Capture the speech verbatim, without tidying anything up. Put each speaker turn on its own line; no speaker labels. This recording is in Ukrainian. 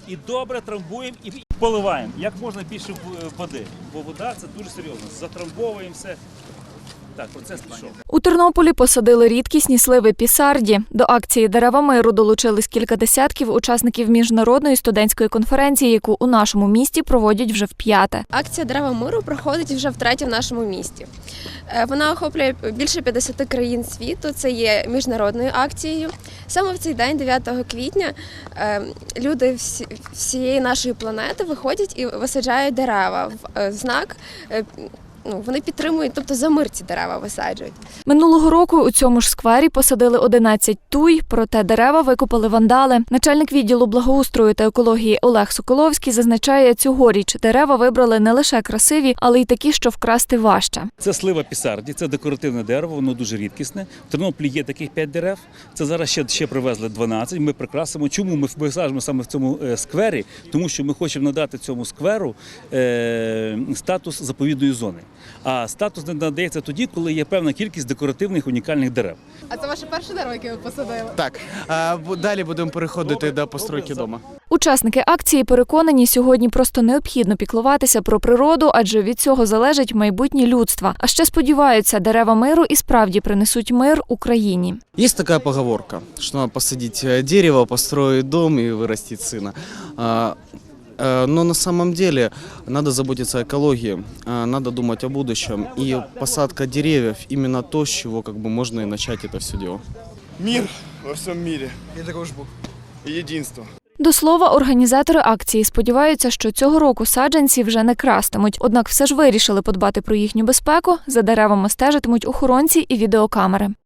і добре трамбуємо і поливаємо. Як можна більше води, бо вода – це дуже серйозно. Затрамбовуємо все. Так, процес пішов.
У Тернополі посадили рідкісні сливи пісарді. До акції «Дерева миру» долучились кілька десятків учасників міжнародної студентської конференції, яку у нашому місті проводять вже вп'яте.
Акція «Дерева миру» проходить вже втретє в нашому місті. Вона охоплює більше п'ятдесят країн світу, це є міжнародною акцією. Саме в цей день, дев'ятого квітня, люди всієї нашої планети виходять і висаджають дерева в знак. Ну, вони підтримують, тобто за мир ці дерева висаджують.
Минулого року у цьому ж сквері посадили одинадцять туй, проте дерева викопали вандали. Начальник відділу благоустрою та екології Олег Соколовський зазначає, цьогоріч дерева вибрали не лише красиві, але й такі, що вкрасти важче.
Це слива пісарді, це декоративне дерево, воно дуже рідкісне. В Тернополі є таких п'ять дерев, це зараз ще, ще привезли дванадцять, ми прикрасимо. Чому ми висаджуємо саме в цьому сквері? Тому що ми хочемо надати цьому скверу е, статус заповідної зони. А статус не надається тоді, коли є певна кількість декоративних унікальних дерев.
А це ваше перше дерево, яке ви посадили?
Так, а далі будемо переходити до постройки дому.
Учасники акції переконані, сьогодні просто необхідно піклуватися про природу, адже від цього залежить майбутнє людства. А ще сподіваються, дерева миру і справді принесуть мир Україні.
Є така поговорка, що треба посадити дерево, построїти дом і виростити сина. Но на самом деле надо заботиться о экологии, надо думать о будущем. И посадка деревьев именно то, с чего как бы можно и начать это все дело.
Мир во всем мире. И дружбу. И единство.
До слова, організатори акції сподіваються, що цього року саджанці вже не крастимуть. Однак все ж вирішили подбати про їхню безпеку, за деревами стежитимуть охоронці і відеокамери.